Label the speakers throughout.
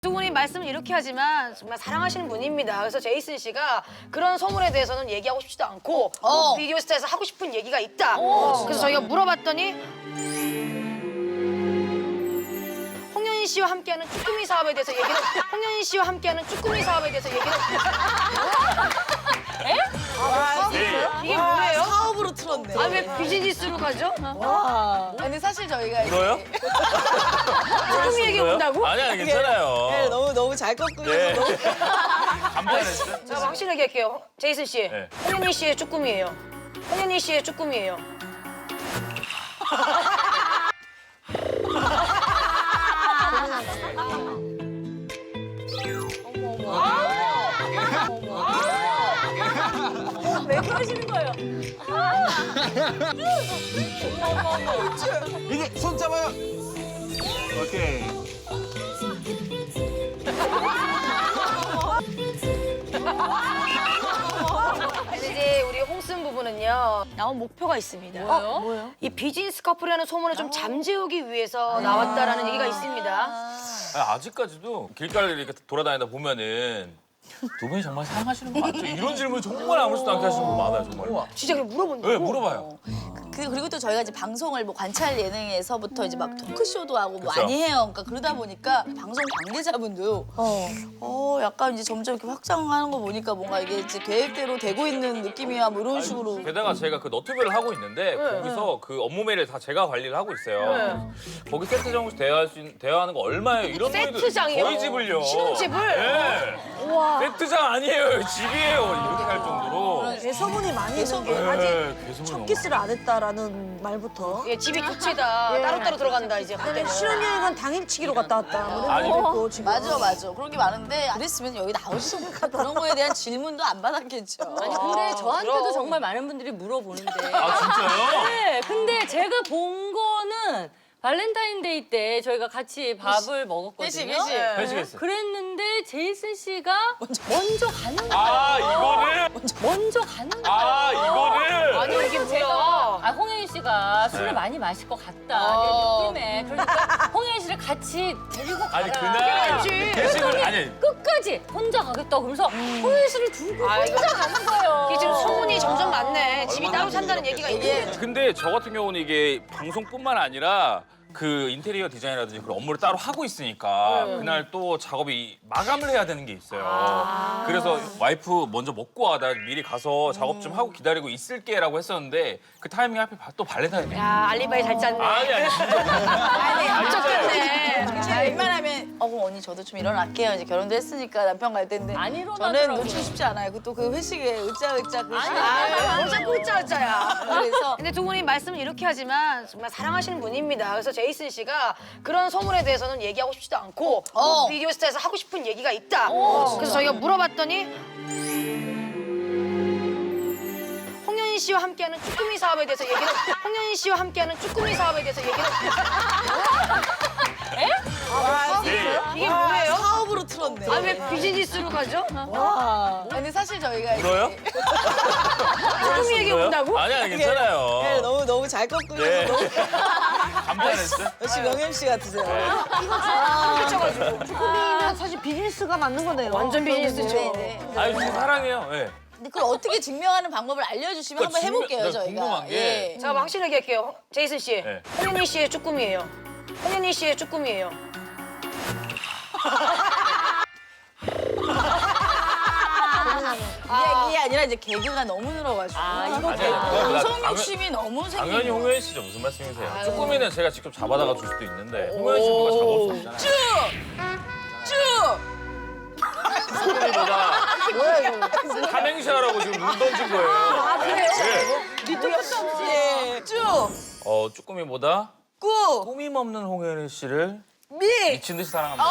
Speaker 1: 두 분이 말씀을 이렇게 하지만 정말 사랑하시는 분입니다. 그래서 제이슨 씨가 그런 소문에 대해서는 얘기하고 싶지도 않고 비디오 스타에서 하고 싶은 얘기가 있다. 그래서 저희가 물어봤더니 홍현희 씨와 함께하는 쭈꾸미 사업에 대해서 얘기를 홍현희 씨와 함께하는 쭈꾸미 사업에 대해서 얘기를 에? 이게 뭐예요?
Speaker 2: 사업으로 틀었네.
Speaker 1: 아 왜 비즈니스로 가죠?
Speaker 2: 와. 근데 사실 저희가
Speaker 3: 울어요?
Speaker 1: 쭈꾸미 얘기 온다고?
Speaker 3: 아니야, 괜찮아요.
Speaker 2: 네, 너무 잘 꺾고
Speaker 3: 네.
Speaker 2: 너무
Speaker 3: 간단했어요?
Speaker 1: 자, 확실하게 할게요. 제이슨 씨,
Speaker 3: 네.
Speaker 1: 홍현희 씨의 쭈꾸미예요. 홍현희 씨의 쭈꾸미예요.
Speaker 4: 왜 그러시는 거예요?
Speaker 5: 이게 손 잡아요. 오케이.
Speaker 1: 근데 이제 우리 홍순 부부는요 나온 목표가 있습니다.
Speaker 4: 뭐요?
Speaker 1: 이 비즈니스 커플이라는 소문을 좀 잠재우기 위해서 나왔다라는 얘기가 있습니다.
Speaker 3: 아직까지도 길가를 이렇게 돌아다니다 보면은 두 분이 정말 사랑하시는 거 맞죠? 이런 질문 정말 아무렇지도 않게 하시는 분 많아요, 정말.
Speaker 1: 진짜 그럼 물어본다고?
Speaker 3: 네, 물어봐요.
Speaker 2: 그리고 또 저희가 이제 방송을 뭐 관찰 예능에서부터 이제 막 토크쇼도 하고 뭐
Speaker 3: 그쵸.
Speaker 2: 많이 해요. 그러니까 그러다 보니까 방송 관계자분도 약간 이제 점점 이렇게 확장하는 거 보니까 뭔가 이게 이제 계획대로 되고 있는 느낌이야 뭐 이런 식으로.
Speaker 3: 게다가 제가 그 너튜브를 하고 있는데 거기서 그 업무 메일을 다 제가 관리를 하고 있어요. 거기 세트장에서 대화하는 거 얼마예요? 이런
Speaker 1: 세트장이요?
Speaker 3: 저희 집을요.
Speaker 1: 신혼집을?
Speaker 3: 네. 세트장 아니에요. 집이에요. 이렇게 할 정도로.
Speaker 6: 소문이 많이 있는 게
Speaker 3: 네,
Speaker 6: 아직
Speaker 3: 계속
Speaker 6: 첫 키스를 안 했다라는 말부터
Speaker 1: 예, 집이 두 채다. 따로따로 들어간다 이제 그때는.
Speaker 6: 신혼여행은 당일치기로 갔다 왔다 뭐 이런
Speaker 3: 아니,
Speaker 6: 얘기도 있고 지금
Speaker 2: 맞아. 그런 게 많은데 그랬으면 여기 나오지도 않고 그런 거에 대한 질문도 안 받았겠죠.
Speaker 4: 아니 근데 저한테도
Speaker 1: 그럼.
Speaker 4: 정말 많은 분들이 물어보는데.
Speaker 3: 아, 진짜요?
Speaker 4: 네, 근데 제가 본 거는 발렌타인데이 때 저희가 같이 밥을 먹었거든요.
Speaker 2: 그치.
Speaker 3: 회식했어요.
Speaker 4: 그랬는데 제이슨 씨가 먼저 가는 거예요.
Speaker 3: 아, 이거를?
Speaker 4: 먼저 가는 거예요.
Speaker 3: 아, 이거를?
Speaker 1: 아니 이게 뭐야?
Speaker 4: 아, 홍현희 씨가 술을
Speaker 3: 네.
Speaker 4: 많이 마실 것 같다, 내 느낌에. 그러니까 홍현희 씨를 같이 데리고 가라.
Speaker 3: 아니, 그날 회식을, 아니.
Speaker 4: 끝까지 혼자 가겠다고 그러면서 홍현희 씨를 두고
Speaker 1: 아, 이거-
Speaker 4: 혼자 가는 거예요.
Speaker 1: 이게 지금 소문이 점점 많네. 집이 따로 산다는 얘기가 있고.
Speaker 3: 근데 저 같은 경우는 이게 방송뿐만 아니라 그 인테리어 디자인이라든지 그런 업무를 따로 하고 있으니까 그날 또 작업이 마감을 해야 되는 게 있어요. 그래서 와이프 먼저 먹고 와. 나 미리 가서 작업 좀 하고 기다리고 있을게라고 했었는데 그 타이밍 하필 또 발렌타인이에요.
Speaker 1: 야 알리바이 잘 짰네.
Speaker 3: 아니 진짜.
Speaker 1: 쫓겼네.
Speaker 2: 자, 웬만하면 그럼 언니 저도 좀 일어날게요. 이제 결혼도 했으니까 남편 갈 텐데.
Speaker 4: 안
Speaker 2: 저는
Speaker 4: 일어나더라고요.
Speaker 2: 놓치고 싶지 않아요. 또 그 회식에 으짜으짜 그 시간에.
Speaker 1: 아, 자꾸 짜짜야.
Speaker 2: 그래서
Speaker 1: 근데 두 분이 말씀을 이렇게 하지만 정말 사랑하시는 분입니다. 그래서 제이슨 씨가 그런 소문에 대해서는 얘기하고 싶지도 않고 비디오 스타에서 하고 싶은 얘기가 있다. 그래서 저희가 물어봤더니 홍현희 씨와 함께하는 쭈꾸미 사업에 대해서 얘기를 홍현희 씨와 함께하는 쭈꾸미 사업에 대해서 얘기를 이게 뭐예요?
Speaker 2: 사업으로 틀었네.
Speaker 1: 아 왜 비즈니스로 가죠?
Speaker 2: 근데 사실 저희가
Speaker 3: 울어요?
Speaker 1: 쭈꾸미 얘기 온다고?
Speaker 3: 아니야, 괜찮아요.
Speaker 2: 네, 너무 잘 꺾고
Speaker 3: 네.
Speaker 2: 너무
Speaker 3: 간단했어요?
Speaker 2: 역시 명현 씨 같으세요.
Speaker 6: 쭈꾸미는 사실 비즈니스가 맞는 거네요.
Speaker 1: 완전 비즈니스죠.
Speaker 3: 아니, 진짜 사랑해요. 네.
Speaker 2: 근데 그걸 어떻게 증명하는 방법을 알려주시면
Speaker 3: 그러니까
Speaker 2: 한번 해볼게요,
Speaker 3: 네,
Speaker 2: 저희가.
Speaker 3: 궁금한 게.
Speaker 1: 자, 확실하게 할게요. 제이슨 씨,
Speaker 3: 네.
Speaker 1: 홍현희 씨의 쭈꾸미예요. 홍현희 씨의 쭈꾸미예요.
Speaker 2: 이게 아니라 이제 개그가 너무 늘어가지고.
Speaker 3: 아니야,
Speaker 2: 방송
Speaker 3: 당연-
Speaker 2: 욕심이 너무
Speaker 3: 당연히
Speaker 2: 생기고.
Speaker 3: 홍현희 씨죠. 무슨 말씀이세요? 쭈꾸미는 제가 직접 잡아다가 줄 수도 있는데 홍현희 씨 누가 잡아올 수 없잖아요. 쭈꾸미보다 삼행시 하라고 지금 눈 던진 거예요. 아, 그래요?
Speaker 2: 예. 쭉.
Speaker 3: 쭈꾸미보다
Speaker 2: 꾸.
Speaker 3: 꾸밈 없는 홍현희 씨를
Speaker 2: 미.
Speaker 3: 미친 듯이 사랑합니다.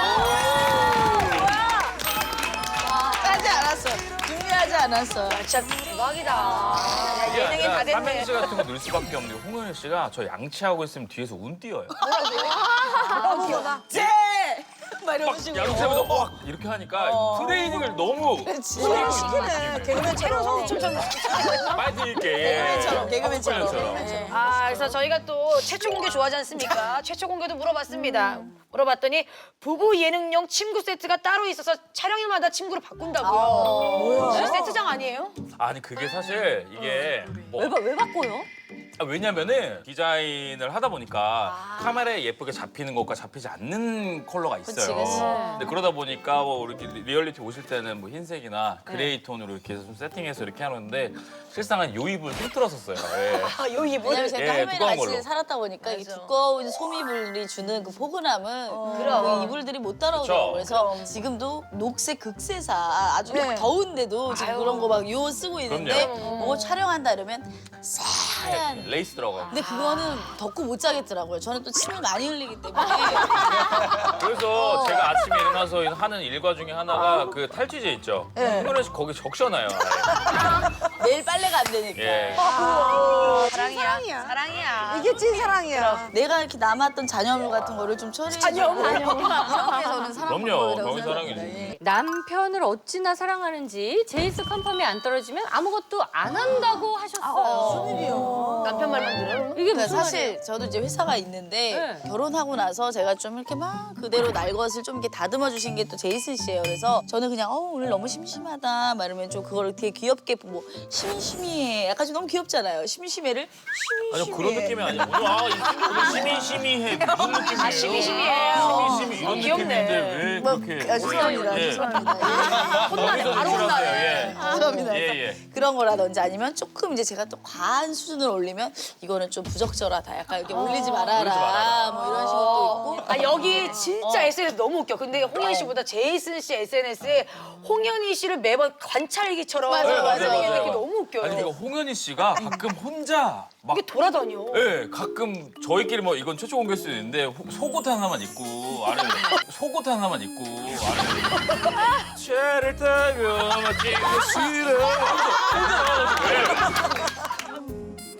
Speaker 2: 하지 않았어. 준비하지 않았어.
Speaker 1: 진짜 대박이다. 야,
Speaker 3: 이게
Speaker 1: 예능이 다
Speaker 3: 아니라
Speaker 1: 됐네.
Speaker 3: 삼행시 같은 거 넣을 수밖에 없는 게 홍현희 씨가 저 양치하고 있으면 뒤에서 운 띄어요.
Speaker 2: 제. 막 이런 식으로.
Speaker 3: 양치하면서 막 이렇게 하니까 트레이닝을 너무
Speaker 6: 시키네. 개그맨처럼.
Speaker 3: 많이 드릴게.
Speaker 2: 개그맨처럼, 개그맨처럼.
Speaker 1: 아, 그래서 저희가 또 최초 공개 좋아하지 않습니까? 최초 공개도 물어봤습니다. 물어봤더니 부부 예능용 침구 세트가 따로 있어서 촬영일마다 침구를 바꾼다고요. 뭐야? 세트장 아니에요?
Speaker 3: 아니 그게 사실 이게 뭐
Speaker 4: 왜 바꿔요?
Speaker 3: 왜냐면은 디자인을 하다 보니까 카메라에 예쁘게 잡히는 것과 잡히지 않는 컬러가 있어요.
Speaker 2: 그치, 그치.
Speaker 3: 근데 그러다 보니까 뭐 이렇게 리얼리티 오실 때는 뭐 흰색이나 그레이 톤으로 이렇게 좀 세팅해서 이렇게 하는데 실상은 요입을 통틀었었어요. 예.
Speaker 1: 아, 요 이불.
Speaker 2: 왜냐면 제가
Speaker 3: 예,
Speaker 2: 할머니랑
Speaker 3: 두꺼운
Speaker 2: 같이
Speaker 3: 걸로.
Speaker 2: 살았다 보니까 이
Speaker 1: 맞아.
Speaker 2: 두꺼운 소미불이 주는 그 포근함은
Speaker 1: 그럼.
Speaker 2: 그 이불들이 못 따라오더라고요.
Speaker 3: 그쵸.
Speaker 2: 그래서 지금도 녹색 극세사 아주
Speaker 6: 네.
Speaker 2: 더운데도 지금 그런 거 막 요 쓰고 있는데 뭐 촬영한다 이러면 싸한
Speaker 3: 레이스 들어가요.
Speaker 2: 근데 그거는 덥고 못 자겠더라고요. 저는 또 침을 많이 흘리기 때문에
Speaker 3: 그래서 제가 아침에 일어나서 하는 일과 중에 하나가 그 탈취제 있죠. 홍현아 씨 거기 적셔놔요.
Speaker 2: 내일 빨래가 안 되니까.
Speaker 3: 예.
Speaker 1: 사랑이야. 사랑이야.
Speaker 6: 이게 찐사랑이야.
Speaker 2: 내가 이렇게 남았던 잔여물 같은 거를 좀 처리해 주고 이렇게서는 사랑
Speaker 3: 그럼요.
Speaker 2: 방법이라고
Speaker 3: 병이
Speaker 2: 생각합니다.
Speaker 3: 사랑이지.
Speaker 2: 예.
Speaker 4: 남편을 어찌나 사랑하는지 제이스 컨펌이 안 떨어지면 아무것도 안 한다고 하셨어요.
Speaker 1: 남편 말만 들어.
Speaker 4: 이게
Speaker 2: 그러니까
Speaker 4: 무슨
Speaker 2: 사실 저도 이제 회사가 있는데
Speaker 4: 네.
Speaker 2: 결혼하고 나서 제가 좀 이렇게 막 그대로 날 것을 좀 이렇게 다듬어 주신 게 또 제이슨 씨예요. 그래서 저는 그냥 오늘 너무 심심하다 막 이러면 좀 그거를 되게 귀엽게 뭐 심심해 약간 좀 너무 귀엽잖아요. 심심해를
Speaker 3: 아니 그런 느낌이 아니야. 오늘 시미시미해 무슨 느낌이에요?
Speaker 1: 아, 시미시미해요.
Speaker 3: 시미시미 이런
Speaker 1: 귀엽네.
Speaker 3: 느낌인데 왜 그렇게?
Speaker 2: 죄송합니다.
Speaker 3: 예.
Speaker 2: 죄송합니다.
Speaker 1: 혼나네. 바로 혼나네.
Speaker 3: 예.
Speaker 2: 죄송합니다.
Speaker 3: 예,
Speaker 2: 그래서
Speaker 3: 예.
Speaker 2: 그런 거라든지 아니면 조금 이제 제가 또 과한 수준을 올리면 이거는 좀 부적절하다. 약간 이렇게 올리지 말아라.
Speaker 3: 올리지 말아라.
Speaker 2: 뭐 이런 식으로 또 있고.
Speaker 1: 아, 여기 진짜 SNS 너무 웃겨. 근데 홍현 씨보다 제이슨 씨 SNS에 홍현희 씨를 매번 관찰기처럼
Speaker 2: 맞아요, 맞아요,
Speaker 1: 하는 게
Speaker 2: 맞아요.
Speaker 1: 너무 웃겨요.
Speaker 3: 아니 그러니까 홍현희 씨가 가끔 혼자 막
Speaker 1: 이게 돌아다녀.
Speaker 3: 예, 가끔 저희끼리 뭐 이건 최초 공개일 수도 있는데 속옷 하나만 입고 안에 속옷 하나만 입고 안에 차를 타고 마치 싫어 혼자 나와가지고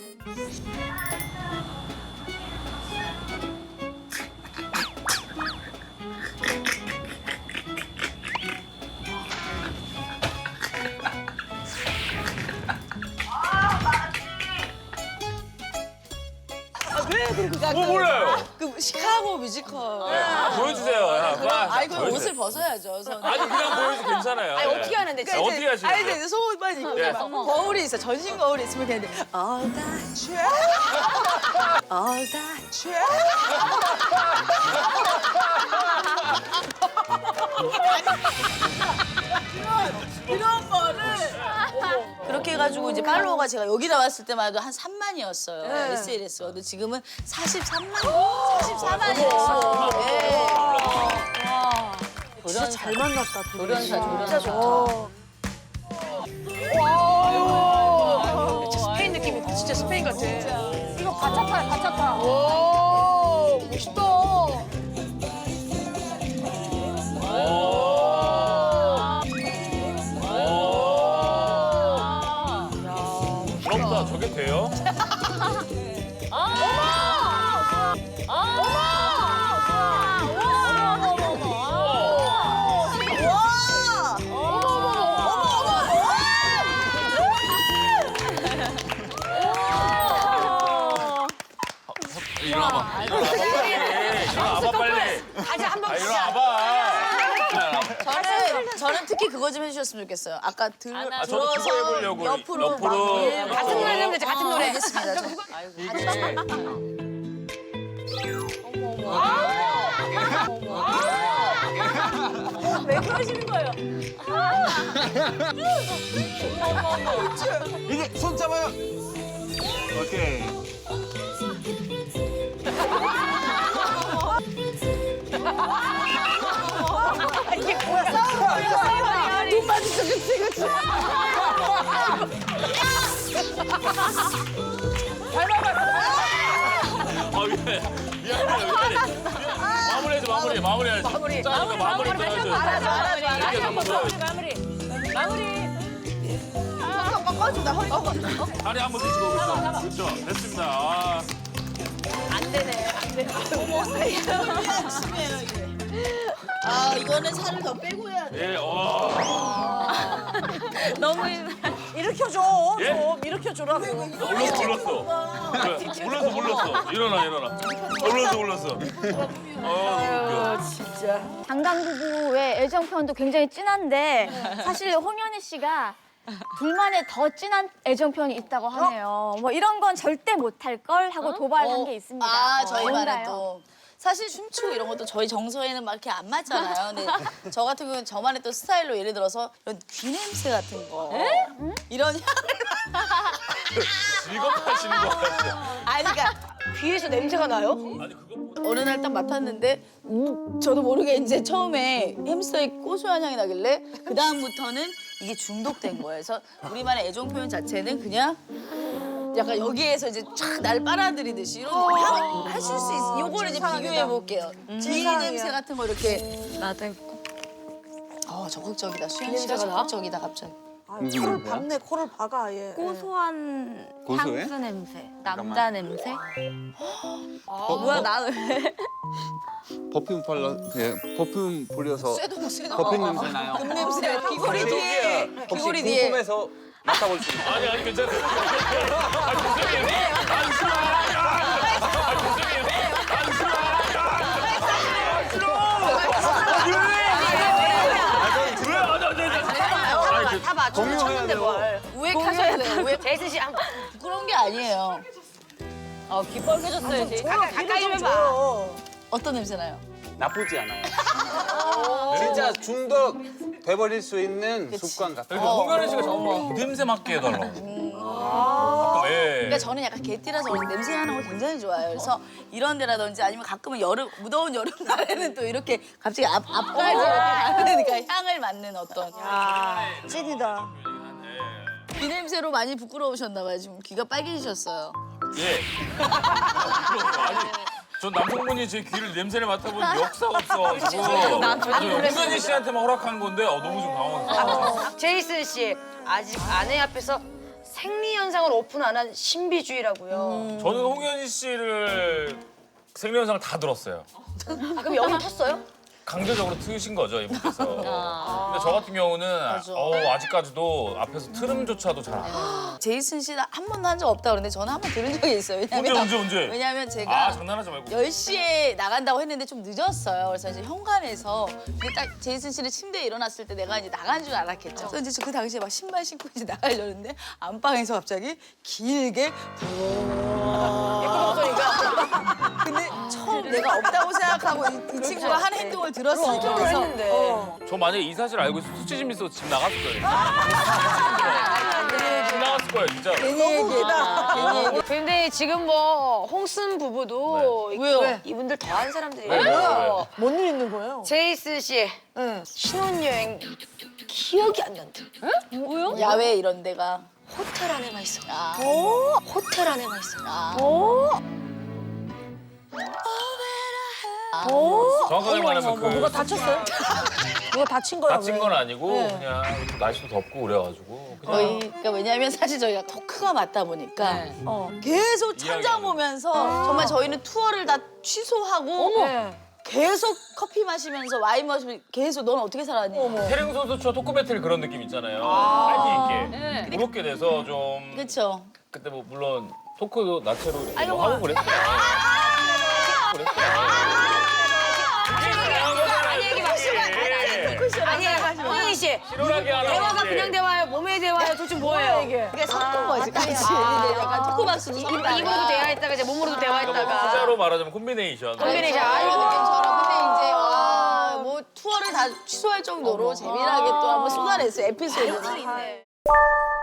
Speaker 3: 몰라요.
Speaker 2: 그 시카고 뮤지컬.
Speaker 3: 보여주세요. 야, 빨리.
Speaker 2: 아이 그
Speaker 3: 보여주세요.
Speaker 2: 옷을 벗어야죠. 저는.
Speaker 3: 아니 그냥 보여도 괜찮아요.
Speaker 1: 아니,
Speaker 3: 예.
Speaker 1: 어떻게 하는데, 진짜?
Speaker 3: 어떻게 하시는
Speaker 2: 아니
Speaker 3: 거예요?
Speaker 2: 이제 속옷만 입고
Speaker 3: 예.
Speaker 2: 막 거울이 있어. 전신 거울이 있으면 그냥 All that you All that you 이런 거를 그렇게 해가지고 이제 팔로워가 제가 여기 나왔을 때만 해도 한 3만이었어요. SNS가. 근데 지금은 43만? 44만이었어요.
Speaker 6: 진짜 잘 만났다.
Speaker 4: 조련사 조련사.
Speaker 1: 진짜 스페인 느낌이 진짜 스페인 같아.
Speaker 6: 이거 바차파야, 바차파.
Speaker 1: 오, 멋있다.
Speaker 3: 부럽다. 저게 돼요? 일어나봐. 일어나봐 빨리.
Speaker 1: 가자, 한번 가자.
Speaker 3: 일어나봐.
Speaker 2: 저는 특히 그거 좀 해주셨으면 좋겠어요. 아까
Speaker 3: 아, 저도 그거 해보려고
Speaker 2: 옆으로
Speaker 1: 같은 노래 하면 되지, 같은 노래.
Speaker 2: 알겠습니다.
Speaker 4: 왜 그러시는 거예요?
Speaker 5: 이제 손 잡아요. 오케이.
Speaker 3: 아 미안해. 미안해. 마무리해야지. 마무리해야지. 짜니까 마무리 떠야지.
Speaker 4: 마무리 마무리.
Speaker 3: 다리 한번 뒤집어 보겠어. 그렇죠. 됐습니다. 아.
Speaker 2: 안 되네. 안 돼. 어머, 열심히 해요, 이게. 아 이거는 살을 더 빼고 해야 돼.
Speaker 3: 예,
Speaker 2: 너무
Speaker 6: 일으켜줘.
Speaker 3: 예?
Speaker 6: 좀 일으켜줘라고.
Speaker 3: 몰랐어. 일어나. 몰랐어.
Speaker 7: 장강 부부의 애정 표현도 굉장히 진한데 사실 홍현희 씨가 둘만의 더 진한 애정 표현이 있다고 하네요. 뭐 이런 건 절대 못할 걸 하고 도발한 게 있습니다.
Speaker 2: 아 저희만의
Speaker 7: 뭔가요?
Speaker 2: 또. 사실 춤추고 이런 것도 저희 정서에는 막 이렇게 안 맞잖아요. 근데 저 같은 경우는 저만의 또 스타일로 예를 들어서 이런 귀 냄새 같은 거. 이런 향을.
Speaker 3: 직업하시는 거 같아요.
Speaker 2: 아니 그러니까
Speaker 1: 귀에서 냄새가 나요?
Speaker 2: 어느 날 딱 맡았는데 저도 모르게 이제 처음에 햄스터의 고소한 향이 나길래 그 다음부터는 이게 중독된 거예요. 그래서 우리만의 애정 표현 자체는 그냥 약간 여기에서 이제 쫙 날 빨아들이듯이 이런 향 하실 수 있어. 요거를 이제 비교해 볼게요. 귀 냄새 같은 거 이렇게.
Speaker 7: 나도
Speaker 2: 적극적이다. 수현 씨가 적극적이다 갑자기.
Speaker 6: 코를 박네, 코를 박아 아예.
Speaker 7: 고소한
Speaker 5: 고소해?
Speaker 7: 향수 냄새, 남자 냄새.
Speaker 2: 뭐야 나는
Speaker 5: 퍼퓸 퍼퓸 뿌려서
Speaker 2: 쇠도
Speaker 5: 퍼퓸 냄새 나요.
Speaker 2: 금 냄새 귀걸이 뒤에 귀걸이 뒤에.
Speaker 5: 궁금해서 맡아볼 수 있어요?
Speaker 3: 아니 괜찮아요.
Speaker 1: 다 맞춰서
Speaker 5: 공유해야
Speaker 1: 쳤는데
Speaker 5: 돼요.
Speaker 1: 뭘.
Speaker 2: 우액하셔야 돼요. 우액.
Speaker 1: 제이슨 씨 한번
Speaker 2: 부끄러운 게 아니에요.
Speaker 4: 귀 빨개졌어요, 제이.
Speaker 1: 가까이 좀 해봐.
Speaker 2: 어떤 냄새 나요?
Speaker 5: 나쁘지 않아요. 진짜 중독 돼버릴 수 있는 습관 같아요.
Speaker 3: 그러니까 홍현희 씨가 자꾸 냄새 맡게 해달라고. 가끔, 예.
Speaker 2: 그러니까 저는 약간 개띠라서 그런지 냄새 나는 걸 굉장히 좋아해요. 그래서 이런 데라든지 아니면 가끔은 무더운 여름날에는 또 이렇게 갑자기 앞까지 이렇게 가는 그러니까 향을 맡는 어떤
Speaker 6: 찐이다.
Speaker 2: 귀 냄새로 많이 부끄러우셨나 봐요. 지금 귀가 빨개지셨어요.
Speaker 3: 예. 아니, 전 남성분이 제 귀를 냄새를 맡아본 역사가 없어가지고 홍현희 씨한테만 허락한 건데 너무 좀 당황했어요.
Speaker 1: 제이슨 씨 아직 아내 앞에서 생리 현상을 오픈 안 한 신비주의라고요.
Speaker 3: 저는 홍현희 씨를 생리현상을 다 들었어요.
Speaker 1: 아, 그럼 여기 텄어요?
Speaker 3: 강제적으로 트신 거죠, 이분께서. 근데 저 같은 경우는 아직까지도 앞에서 트름조차도 잘 안 해요.
Speaker 2: 제이슨 씨는 한 번도 한 적 없다고 그러는데 저는 한 번 들은 적이 있어요.
Speaker 3: 언제?
Speaker 2: 왜냐면 제가
Speaker 3: 장난하지 말고.
Speaker 2: 10시에 나간다고 했는데 좀 늦었어요. 그래서 이제 현관에서 근데 딱 제이슨 씨는 침대에 일어났을 때 내가 이제 나간 줄 알았겠죠. 그래서 이제 그 당시에 막 신발 신고 이제 나가려는데 안방에서 갑자기 길게
Speaker 1: 예쁜 목소리가.
Speaker 2: 근데 처음 내가 없다고 생각하고 이 친구가 한 행동을 들었으니까
Speaker 1: 그래서
Speaker 2: 그래서
Speaker 1: 했는데.
Speaker 3: 저 만약에 이 사실 알고 있으면 수치심 있어서 집 나갔을 거예요. 집 나갔을 거예요, 진짜.
Speaker 2: 괜히 얘기다. 괜히 얘기.
Speaker 1: 근데 지금 뭐 홍순 부부도
Speaker 2: 왜요?
Speaker 1: 이분들 더한 사람들이에요.
Speaker 6: 뭔 일 있는 거예요?
Speaker 1: 제이슨 씨 신혼여행 기억이 안 난다.
Speaker 2: 야외 이런 데가
Speaker 1: 호텔 안에만 있어.
Speaker 2: 아.
Speaker 1: 호텔 안에만 있어.
Speaker 3: 정확하게 말하면 그
Speaker 6: 누가 다쳤어요? 누가 다친 거야?
Speaker 3: 다친
Speaker 6: 왜?
Speaker 3: 건 아니고 그냥 날씨도 덥고 그래가지고 그냥
Speaker 2: 거의 그러니까 왜냐하면 사실 저희가 토크가 맞다 보니까 계속 천장
Speaker 3: 이야기하는
Speaker 2: 보면서 정말 저희는 투어를 다 취소하고 계속 커피 마시면서 와인 마시면서 계속 넌 어떻게 살았니?
Speaker 3: 태릉 선수촌 토크 배틀 그런 느낌 있잖아요. 파이팅 있게. 그렇게 돼서 좀
Speaker 2: 그렇죠.
Speaker 3: 그때 뭐 물론 토크도 나체로 이렇게 뭐 하고 그랬어요.
Speaker 1: 아니에요, 홍현희 씨.
Speaker 3: 시원하게 하라고
Speaker 1: 대화가
Speaker 3: 이제.
Speaker 1: 그냥 대화예요, 몸의 대화예요. 도대체 뭐예요? 이게?
Speaker 2: 그게 섞은 거지 같이. 근데 약간 토크박스도 섞다가
Speaker 1: 입으로도 대화했다가 이제 몸으로도
Speaker 3: 그러니까
Speaker 1: 대화했다가.
Speaker 3: 후자로 말하자면 콤비네이션.
Speaker 1: 콤비네이션.
Speaker 2: 이런 느낌처럼. 근데 이제 뭐 투어를 다 취소할 정도로 재미나게 또 한번 쏟아냈어요 에피소드를.
Speaker 1: 있네.